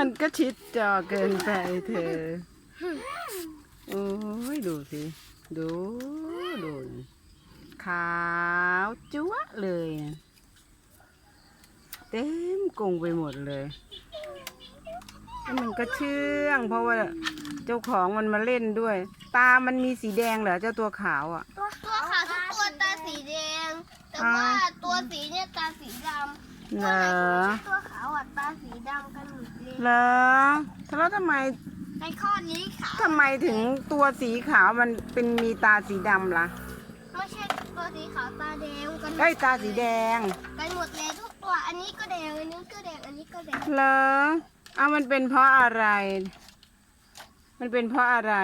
มันก็ชิดจอเกินไปเธอโอ้ยดูสิดูขาวจั๊วะเลยเต็มกรงไปหมดเลยแล้วมันก็เชื่องเพราะว่าเจ้าของมันมาเล่นด้วยตามันมีสีแดงเหรอเจ้าตัวขาวอ่ะตัวขาวทุกตัวตาสีแดงแต่ว่าตัวสีเนี่ยตาสีดำเหรอตัวขาวอ่ะตาสีดำกันหมดเลยเหรอแล้วทำไมในข้อนี้ขาวทำไมถึงตัวสีขาวมันเป็นมีตาสีดำล่ะไม่ใช่ตัวสีขาวตาแดงกันตาสีแดงกันหมดเลยทุกตัวอันนี้ก็แดงอันนี้ก็แดงอันนี้ก็แดงเหรอเอามันเป็นเพราะอะไรมันเป็นเพราะอะไร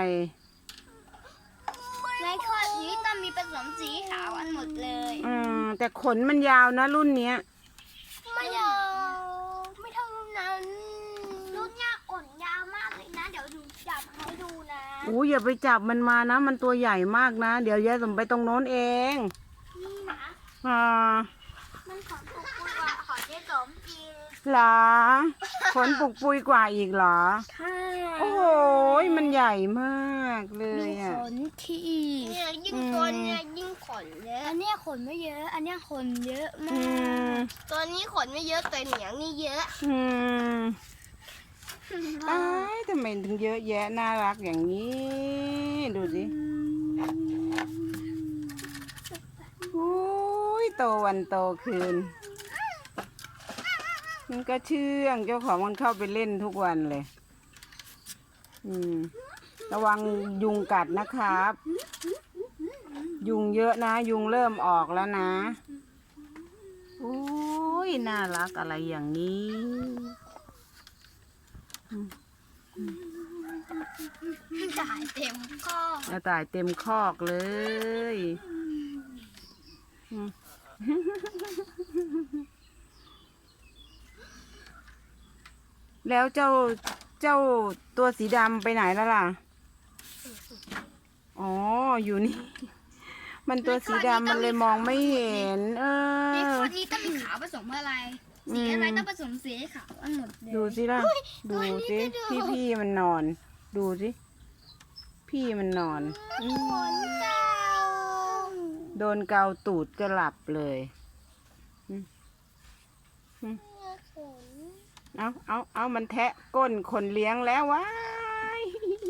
ในข้อนี้ต้องมีผสมสีขาวอันหมดเลยแต่ขนมันยาวนะรุ่นเนี้ยไม่ยาวไม่เท่านั้นรุ่นเนี้ยขนยาวมากเลยนะเดี๋ยวดูจับให้ดูนะอย่าไปจับมันมานะมันตัวใหญ่มากนะเดี๋ยวยายสมไปตรงโน้นเองนี่นะมันขนปุกปุยกว่าขนยายสมจริงเหรอขนปุกปุยกว่าอีกเหรอใช่โอ้โหมันใหญ่มากเลยอ่ะขนที่เนี่ยยิ่งตัวเนี่ยยิ่งขนเยอะอันนี้ขนไม่เยอะอันนี้ขนเยอะมากตัวนี้ขนไม่เยอะแต่เหนียงนี่เยอะทำไมถึงเยอะแยะน่ารักอย่างนี้ดูสิโตวันโตคืนมันก็เชื่องเจ้าของมันเข้าไปเล่นทุกวันเลยระวังยุงกัดนะครับยุงเยอะนะยุงเริ่มออกแล้วนะน่ารักอะไรอย่างนี้ตายเต็มคอกตายเต็มคอกเลยแล้วเจ้าตัวสีดำไปไหนแล้วล่ะอยู่นี่มันตัวสีดำมันเลยมองไม่เห็นในข้อนี้ต้องมีขาวผสมอะไรสีอะไรต้องผสมสีขาวอันหมดเลยดูสิล่ะดูสิพี่มันนอนดูสิพี่มันนอนโดนเกาตูดก็หลับเลยเอามันแทะก้นคนเลี้ยงแล้วว้าย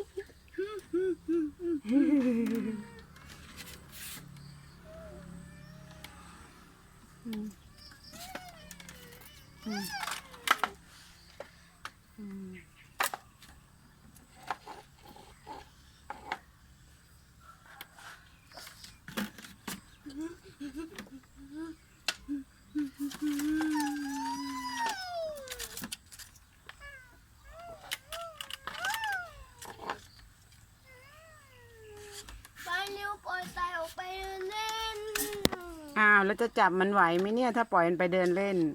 แล้วจะจับมันไหวไหมเนี่ยถ้าปล่อยมันไปเดินเล่น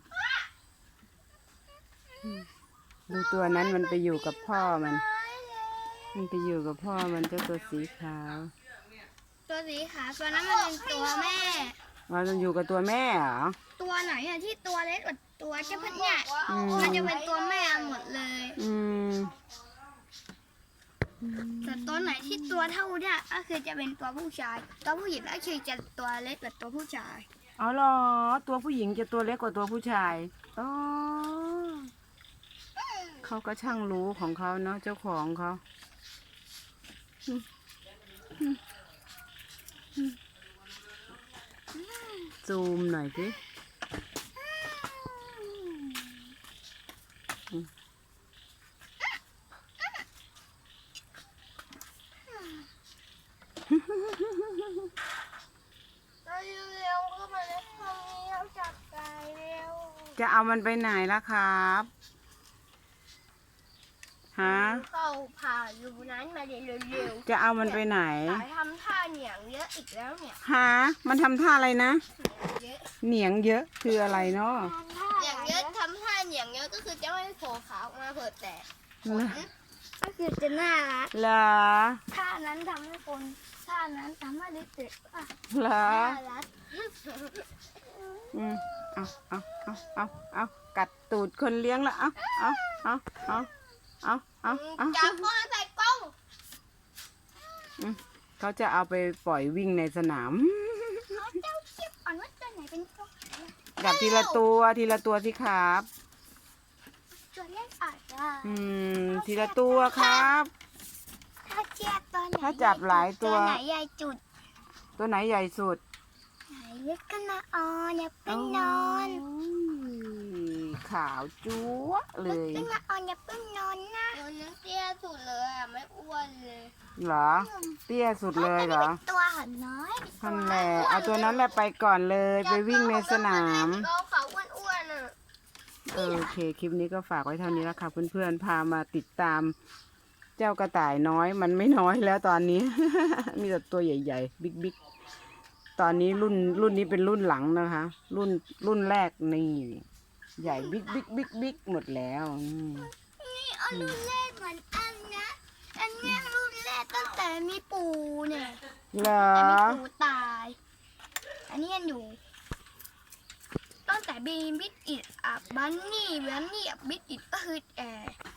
ดูตัวนั้นมันไปอยู่กับพ่อมันไปอยู่กับพ่อมันเจ้าตัวสีขาวตัวสีขาวตัวนั้นมันเป็นตัวแม่มันอยู่กับตัวแม่เหรอตัวไหนอ่ะที่ตัวเล็กกว่าตัวเจ้าพันเนี่ยมันจะเป็นตัวแม่หมดเลยแต่ตัวไหนที่ตัวเท่าเนี่ยก็คือจะเป็นตัวผู้ชายตัวผู้หญิงก็คือจะตัวเล็กกว่าตัวผู้ชายเหรอตัวผู้หญิงจะตัวเล็กกว่าตัวผู้ชายเขาก็ช่างรู้ของเขาเนาะเจ้าของเขาซูมหน่อยสิจะเอามันไปไหนล่ะครับเข้าผ่าอยู่นั้นมาเร็วๆจะเอามันไปไหนทำท่าเหนียงเยอะอีกแล้วเนี่ยมันทำท่าอะไรนะเหนียงเยอะคืออะไรเนาะเหนียงเยอะทำท่าเหนียงเยอะก็คือจะไม่โผล่ขาออกมาเผิดแต่ก็คือจะน่ารักเหรอท่านั้นทำให้คนท่านั้นทำให้เด็กๆเหรอน่ารักเอากัดตูดคนเลี้ยงแล้วเอาเอาจับพ่อใส่กล้องเขาจะเอาไปปล่อยวิ่งในสนามเขาเจ้าเทียบก่อนว่าตัวไหนเป็นตัวไหนจับทีละตัวสิครับตัวเล็กอาจจะทีละตัวครับถ้าเทียบตัวไหนถ้าจับหลายตัวตัวไหนใหญ่จุดตัวไหนใหญ่สุดไหนเล็กขึ้นมาอ๋ออย่าเพิ่งนอนขาวจั๊วะเลยขึ้นมาอ๋ออย่าเพิ่งนอนนะตัวนั้นเตี้ยสุดเลยอ่ะไม่อ้วนเลยเหรอ เตี้ยสุดเลยเหรอตัวหันน้อยท่านแหละเอาตัวนั้นแหละไปก่อนเลยไปวิ่งในสนามเราเขาอ้วนๆอ่ะโอเค คลิปนี้ก็ฝากไว้เท่านี้แล้วค่ะเพื่อนๆ พามาติดตาม เจ้ากระต่ายน้อยมันไม่น้อยแล้วตอนนี้ มีแต่ตัวใหญ่ๆ บิ๊กๆ ตอนนี้รุ่นนี้เป็นรุ่นหลังนะคะ รุ่นแรกนี่ ใหญ่บิ๊กหมดแล้วนี่เอารุ่นแรกเหมือนอันนะอันเนี้ยรุ่นแรกตั้งแต่มีปู่เนี่ยเหรอแต่มีปู่ตาย อันนี้ยังอยู่ตั้งแต่บีบิดอิดบันนี่บิดอิดก็คือ